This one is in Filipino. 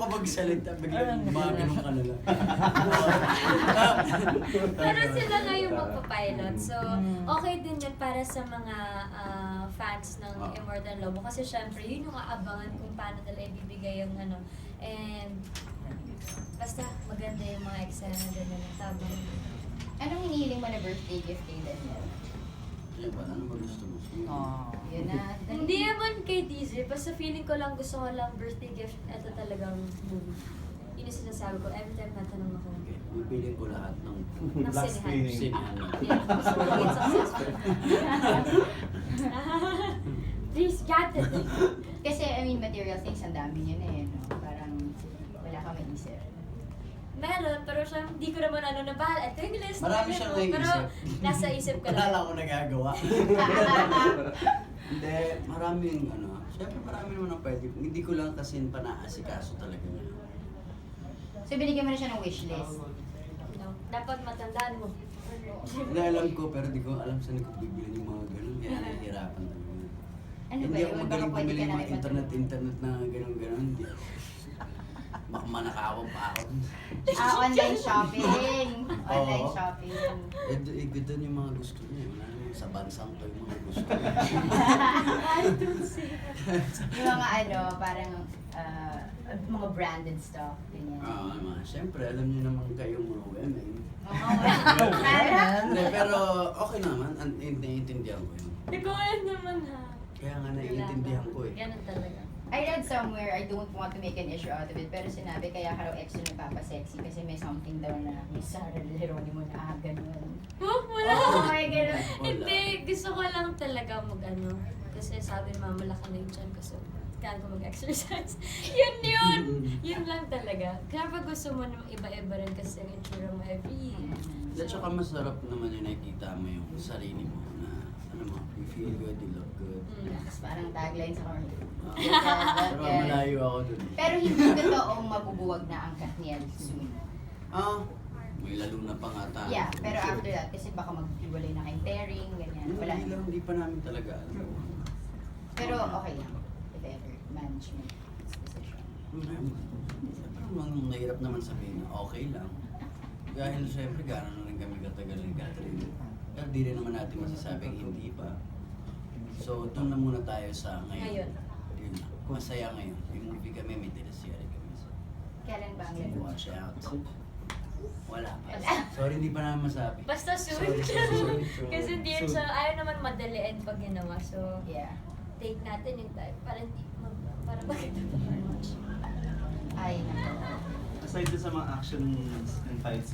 ka magsalita, biglang gumaganong ka na lang. Pero sila na yung magpapilot. So, okay din yun para sa mga fans ng Immortal Lobo. Kasi syempre, yun yung aabangan kung paano nila ibibigay yung ano. And, basta maganda yung mga eksena din nila. Tabang. Anong hinihiling mo na birthday gift kay Daniel? Ano ba gusto mo? Yun na. Hindi naman kay DJ, basta feeling ko lang gusto ko lang birthday gift. Ito talagang movie. Yun yung sinasabi ko. Every time natanong ako. Okay, pipili ko lahat ng Last screening. sinihan. Yeah, gusto ko maging successful. Please, got it. Kasi, I mean, material things, ang dami niya na eh. No? Parang wala ka maisip. Meron, pero siya, hindi ko naman ano na bahal. Ito yung list. Marami namin, siyang no? Pero naiisip. nasa isip ko Wala lang. lang ako nagagawa. Hindi, maraming ano. Siyempre marami naman ang pwede. Hindi ko lang kasi panaasikaso talaga niya. So, binigyan mo na siya ng wishlist. No, dapat matandaan mo. Hindi alam ko, pero di ko alam saan ko bibili yung mga ganun. Kaya nahihirapan talaga. Ano ba Hindi ako yun? Baka magaling pwede bumili ka ng na mga internet na ganun-ganun. Hindi. Baka manakawang pa ako. Online shopping. Online Oo. shopping. Eh, good doon yung mga gusto niya. Wala naman sa bansang ko yung mga gusto niya. I don't say that. Yung mga ano, parang mga branded stuff. Ganyan. Siyempre, alam niyo naman kayong mga women. Parang, Hindi, pero okay naman. Naiintindihan ko yun. Ikaw naman ha. Kaya nga naiintindihan ko eh. Ganun talaga. I read somewhere, I don't want to make an issue out of it, pero sinabi kaya ka raw extra nagpapasexy kasi may something daw na may Sarah Geronimo na ganun. Oh, wala. Oh my God. Hindi, gusto ko lang talaga mag-ano. Kasi sabi ni mama, malaki na yung tiyan ko. So, kailangan ko mag-exercise. Yun! Yun lang talaga. Kaya pag gusto mo ng iba-iba rin kasi ang itsura mo every At saka masarap naman yung nakikita mo yung sarili mo na ano mo, you feel good, you look good. Tapos parang tagline sa corner. Pero malayo ako dun. Pero hindi totoong mabubuwag na ang Katniel soon. May lalo na pa nga tayo. Yeah, pero after that, kasi baka maghiwalay na kayong pairing, ganyan. Wala. Hindi pa namin talaga alam. Pero okay lang. If ever, management decision. Parang nahirap naman sabihin na okay lang. Dahil syempre gano'n na rin kami katagal ni Catherine. Pero di rin naman natin masasabing hindi pa. So doon na muna tayo sa ngayon. Yun na. Masaya ngayon. May movie kami, may teleserye kami. So, Kailan ba ang laro? watch out. Wala pa. Sorry, hindi pa namin masabi. Basta soon. Sorry. Kasi hindi yun siya, ayaw naman madaliin pag ginawa. So, Yeah. take natin yung time para hindi para makita pa much. Ay, nako. Aside sa mga action and fight